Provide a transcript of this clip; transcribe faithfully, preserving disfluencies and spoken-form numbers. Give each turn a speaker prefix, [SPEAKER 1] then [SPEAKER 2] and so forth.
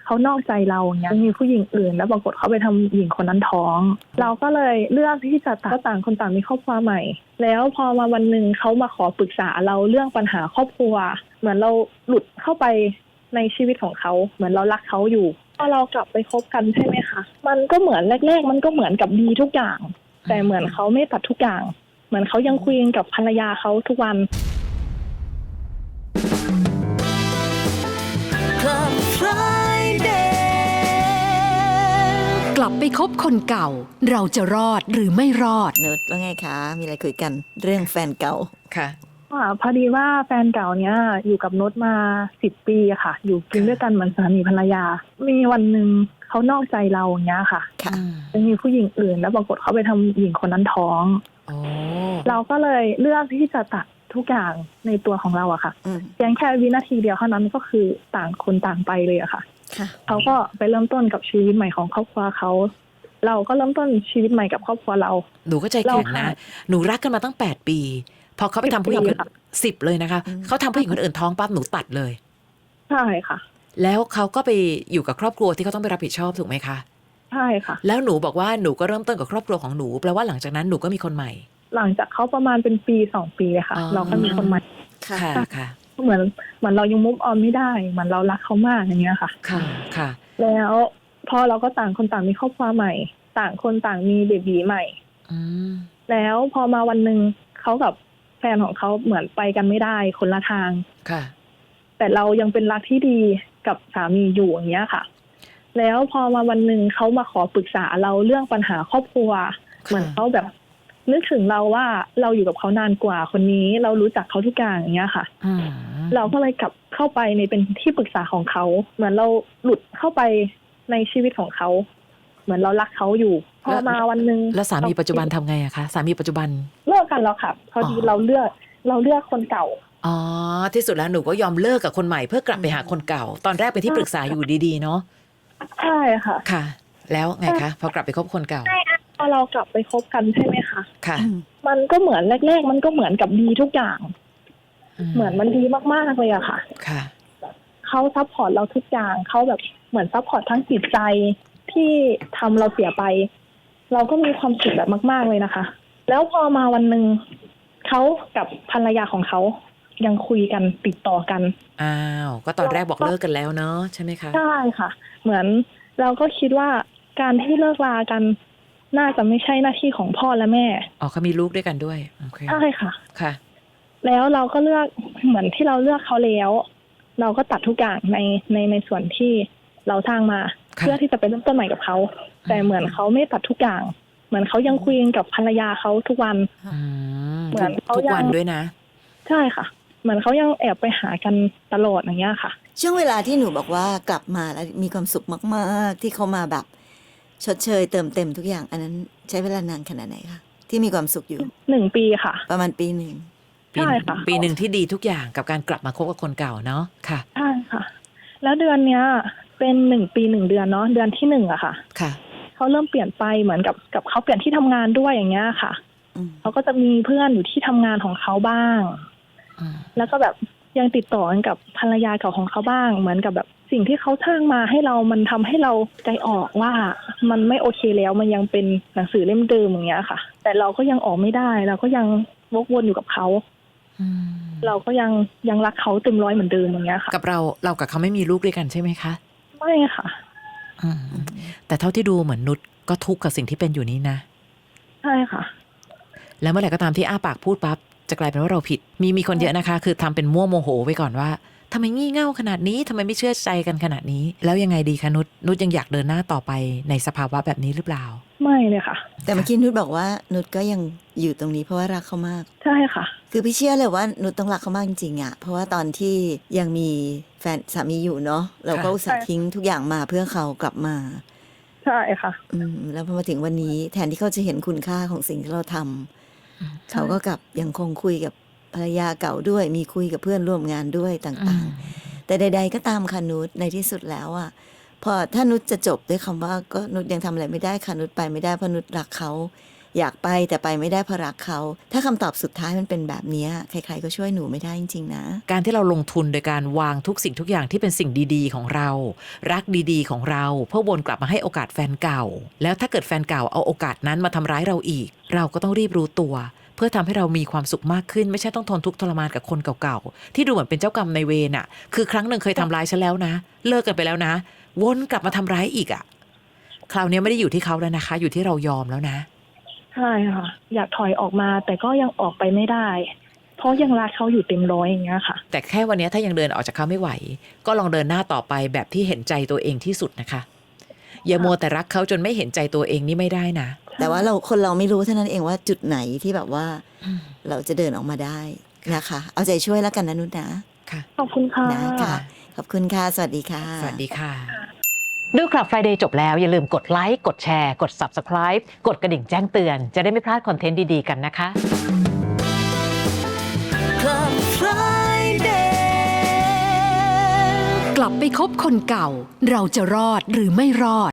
[SPEAKER 1] เขานอกใจเราอย่างเงี้ยมีผู้หญิงอื่นแล้วปรากฏเขาไปทำหญิงคนนั้นท้องเราก็เลยเลือกที่จะต่างต่างคนต่างมีครอบครัวใหม่แล้วพอมาวันหนึ่งเขามาขอปรึกษาเราเรื่องปัญหาครอบครัวเหมือนเราหลุดเข้าไปในชีวิตของเขาเหมือนเรารักเขาอยู่พอเรากลับไปคบกันใช่ไหมคะมันก็เหมือนแรกๆมันก็เหมือนกับดีทุกอย่างแต่เหมือนเขาไม่ตัดทุกอย่างเหมือนเขายังคุยกับภรรยาเขาทุกวัน
[SPEAKER 2] กลับไปคบคนเก่าเราจะรอดหรือไม่รอด
[SPEAKER 3] นุชว่าไงคะมีอะไรคุยกันเรื่องแฟนเก่า
[SPEAKER 4] ค่ะ
[SPEAKER 1] พอดีว่าแฟนเก่าเนี้ยอยู่กับนุชมาสิบปีค่ะอยู่กินด้วยกันเหมือนสามีภรรยามีวันหนึ่งเขานอกใจเราอย่างเงี้ยค่ะ
[SPEAKER 3] ค่ะ
[SPEAKER 1] มีผู้หญิงอื่นแล้วปรากฏเขาไปทำหญิงคนนั้นท้องเราก็เลยเลือกที่จะตัดทุกอย่างในตัวของเราอะค่ะเพียงแค่วินาทีเดียวเท่านั้นก็คือต่างคนต่างไปเลยอะค่ะเขาก็ไปเริ่มต้นกับชีวิตใหม่ของครอบครัวเขาเราก็เริ่มต้นชีวิตใหม่กับครอบครัวเรา
[SPEAKER 4] หนูก็ใจแข็งนะหนูรักกันมาตั้งแปดปีพอเขาไปทำผู้หญิงสิบเลยนะคะเขาทำผู้หญิงคนอื่นท้องปั๊บหนูตัดเลย
[SPEAKER 1] ใช่ค่ะ
[SPEAKER 4] แล้วเขาก็ไปอยู่กับครอบครัวที่เขาต้องไปรับผิดชอบถูกไหมคะ
[SPEAKER 1] ใช่ค่ะ
[SPEAKER 4] แล้วหนูบอกว่าหนูก็เริ่มต้นกับครอบครัวของหนูแปลว่าหลังจากนั้นหนูก็มีคนใหม่
[SPEAKER 1] หลังจากเขาประมาณเป็นปีสองปีเลยค่ะเราก็มีคนใหม่
[SPEAKER 4] ค่ะค่ะ
[SPEAKER 1] เหมือนเหมือนเรายังมุฟออนไม่ได้เหมือนเรารักเขามากอย่างเงี้ยค่ะ
[SPEAKER 4] ค่ะค่ะ
[SPEAKER 1] แล้วพอเราก็ต่างคนต่างมีครอบครัวใหม่ต่างคนต่างมีเบบีใหม่แล้วพอมาวันหนึ่งเขากับแฟนของเขาเหมือนไปกันไม่ได้คนละทาง
[SPEAKER 4] ค่ะ
[SPEAKER 1] แต่เรายังเป็นรักที่ดีกับสามีอยู่อย่างเงี้ยค่ะแล้วพอมาวันหนึ่งเขามาขอปรึกษาเราเรื่องปัญหาครอบครัวเหมือนเขาแบบนึกถึงเราว่าเราอยู่กับเขานานกว่าคนนี้เรารู้จักเขาทุกอย่างอย่างเงี้ยค่ะเราก็เลยกลับเข้าไปในเป็นที่ปรึกษาของเขาเหมือนเราหลุดเข้าไปในชีวิตของเขาเหมือนเรารักเขาอยู่พอมาวันนึง
[SPEAKER 4] แล้วสามีปัจจุบันทำไงอะคะสามีปัจจุบัน
[SPEAKER 1] เลิกกันแล้วค่ะพอดีเราเลือกเราเลือกคนเก่า
[SPEAKER 4] อ๋อที่สุดแล้วหนูก็ยอมเลิกกับคนใหม่เพื่อกลับไปหาคนเก่าตอนแรกเป็นที่ปรึกษาอยู่ดีๆเนาะ
[SPEAKER 1] ใช่ค่ะ
[SPEAKER 4] ค่ะแล้วไงคะพอกลับไปคบคนเก่า
[SPEAKER 1] พอเรากลับไปคบกันใช่ไหมคะ
[SPEAKER 4] ค่ะ
[SPEAKER 1] มันก็เหมือนแรกๆมันก็เหมือนกับดีทุกอย่างเหมือนมันดีมากๆเลยอะค่ะ
[SPEAKER 4] ค่ะ
[SPEAKER 1] เขาซัพพอร์ตเราทุกอย่างเขาแบบเหมือนซัพพอร์ตทั้งจิตใจที่ทำเราเสียไปเราก็มีความสุขแบบมากๆเลยนะคะแล้วพอมาวันหนึ่งเขากับภรรยาของเขายังคุยกันติดต่อกัน
[SPEAKER 4] อ้าวก็ตอนแรกบอกเลิกกันแล้วเนาะใช่ไหมคะ
[SPEAKER 1] ใช่ค่ะเหมือนเราก็คิดว่าการที่เลิกลากันน่าจะไม่ใช่หน้าที่ของพ่อและแม่
[SPEAKER 4] อ๋อเขามีลูกด้วยกันด้วยโอเค
[SPEAKER 1] ใช่ค่ะ
[SPEAKER 4] ค่ะ
[SPEAKER 1] แล้วเราก็เลือกเหมือนที่เราเลือกเขาแล้วเราก็ตัดทุกอย่างในในในส่วนที่เราสร้างมาเพื่อที่จะไปเริ่มต้นใหม่กับเขาแต่เหมือนเขาไม่ตัดทุกอย่างเหมือนเขายังคุยกับภรรยาเขาทุกวัน
[SPEAKER 4] เหมือนเขาทุกวันด้วยนะ
[SPEAKER 1] ใช่ค่ะเหมือนเขายังแอบไปหากันตลอดอย่างเงี้ยค่ะ
[SPEAKER 3] ช่วงเวลาที่หนูบอกว่ากลับมาแล้วมีความสุขมากๆที่เขามาแบบชดเชยเติมเต็มทุกอย่างอันนั้นใช้เวลานานขนาดไหนคะที่มีความสุขอยู่
[SPEAKER 1] หนึ่งปีค่ะ
[SPEAKER 3] ประมาณปีหนึ่ง
[SPEAKER 1] ใช่ค่ะ
[SPEAKER 4] ปีหนึ่งที่ดีทุกอย่างกับการกลับมาคบกับคนเก่าเนาะค่ะ
[SPEAKER 1] ใช่ค่ะแล้วเดือนเนี้ยเป็นหนึ่งปีหนึ่งเดือนเนาะเดือนที่หนึ่งอะค่ะ
[SPEAKER 4] ค่ะ
[SPEAKER 1] เขาเริ่มเปลี่ยนไปเหมือนกับกับเขาเปลี่ยนที่ทำงานด้วยอย่างเงี้ยค่ะเขาก็จะมีเพื่อนอยู่ที่ทำงานของเขาบ้างแล้วก็แบบยังติดต่อกันกับภรรยาเก่าของเขาบ้างเหมือนกับแบบสิ่งที่เขาสร้างมาให้เรามันทำให้เราใจออกว่ามันไม่โอเคแล้วมันยังเป็นหนังสือเล่มเดิมอย่างเงี้ยค่ะแต่เราก็ยังออกไม่ได้เราก็ยังวกวนอยู่กับเขาเราก็ยังยังรักเขาเต็มร้อยเหมือนเดิมอย่างเงี้ยค่ะ
[SPEAKER 4] กับเราเรากับเขาไม่มีลูกด้วยกันใช่ไหมคะ
[SPEAKER 1] ไม่ค่ะ
[SPEAKER 4] แต่เท่าที่ดูเหมือนนุชก็ทุกข์กับสิ่งที่เป็นอยู่นี้นะ
[SPEAKER 1] ใช่ค่ะ
[SPEAKER 4] แล้วเมื่อไหร่ก็ตามที่อ้าปากพูดปั๊บจะกลายเป็นว่าเราผิดมีมีคนเยอะนะคะคือทำเป็นมั่วโมโหไว้ก่อนว่าทำไมงี่เง่าขนาดนี้ทำไมไม่เชื่อใจกันขนาดนี้แล้วยังไงดีคะนุชนุชยังอยากเดินหน้าต่อไปในสภาวะแบบนี้หรือเปล่า
[SPEAKER 1] ไม่เลยค่ะ
[SPEAKER 3] แต่เมื่อกี้นุชบอกว่านุชก็ยังอยู่ตรงนี้เพราะว่ารักเขามาก
[SPEAKER 1] ใช่ค่ะ
[SPEAKER 3] คือพี่เชื่อเลยว่านุชต้องรักเขามากจริงๆอ่ะเพราะว่าตอนที่ยังมีแฟนสามีอยู่เนาะเราก็อุตส่าห์ทิ้งทุกอย่างมาเพื่อเขากลับมา
[SPEAKER 1] ใช่ค่ะ
[SPEAKER 3] อืมแล้วพอมาถึงวันนี้แทนที่เขาจะเห็นคุณค่าของสิ่งที่เราทำเขาก็กลับยังคงคุยกับภรรยาเก่าด้วยมีคุยกับเพื่อนร่วมงานด้วยต่างๆแต่ใดๆก็ตามค่ะนุชในที่สุดแล้วอ่ะพอถ้านุชจะจบด้วยคำว่าก็นุชยังทำอะไรไม่ได้ค่ะนุชไปไม่ได้เพราะนุชรักเขาอยากไปแต่ไปไม่ได้เพราะรักเขาถ้าคำตอบสุดท้ายมันเป็นแบบนี้ใครๆก็ช่วยหนูไม่ได้จริงๆนะ
[SPEAKER 4] การที่เราลงทุนโดยการวางทุกสิ่งทุกอย่างที่เป็นสิ่งดีๆของเรารักดีๆของเราเพื่อวนกลับมาให้โอกาสแฟนเก่าแล้วถ้าเกิดแฟนเก่าเอาโอกาสนั้นมาทำร้ายเราอีกเราก็ต้องรีบรู้ตัวเพื่อทำให้เรามีความสุขมากขึ้นไม่ใช่ต้องทนทุกข์ทรมานกับคนเก่าๆที่ดูเหมือนเป็นเจ้ากรรมนายเวรอ่ะคือครั้งหนึ่งเคยทำร้ายฉันแล้วนะเลิกกันไปแล้วนะวนกลับมาทำร้ายอีกอ่ะคราวนี้ไม่ได้อยู่ที่เขาแล้วนะคะอยู่ที่เรายอมแล้วนะ
[SPEAKER 1] ใช่ค่ะอยากถอยออกมาแต่ก็ยังออกไปไม่ได้เพราะยังรักเขาอยู่เต็มร้อยอย่างเงี้ยค่ะ
[SPEAKER 4] แต่แค่วันนี้ถ้ายังเดินออกจากเขาไม่ไหวก็ลองเดินหน้าต่อไปแบบที่เห็นใจตัวเองที่สุดนะคะอย่ามัวแต่รักเขาจนไม่เห็นใจตัวเองนี่ไม่ได้นะ
[SPEAKER 3] แต่ว่าเราคนเราไม่รู้เท่านั้นเองว่าจุดไหนที่แบบว่าเราจะเดินออกมาได้นะคะเอาใจช่วยแล้วกันนะนุชนะ
[SPEAKER 4] ค่ะ
[SPEAKER 1] ขอบคุณค่ะ
[SPEAKER 3] นะคะขอบคุณค่ะสวัสดีค่ะ
[SPEAKER 4] สวัสดีค่ะ
[SPEAKER 5] ดูคลับ Friday จบแล้วอย่าลืมกดไลค์กดแชร์กด Subscribe กดกระดิ่งแจ้งเตือนจะได้ไม่พลาดคอนเทนต์ดีๆกันนะคะ
[SPEAKER 3] Club Friday
[SPEAKER 2] กลับไปคบคนเก่าเราจะรอดหรือไม่รอด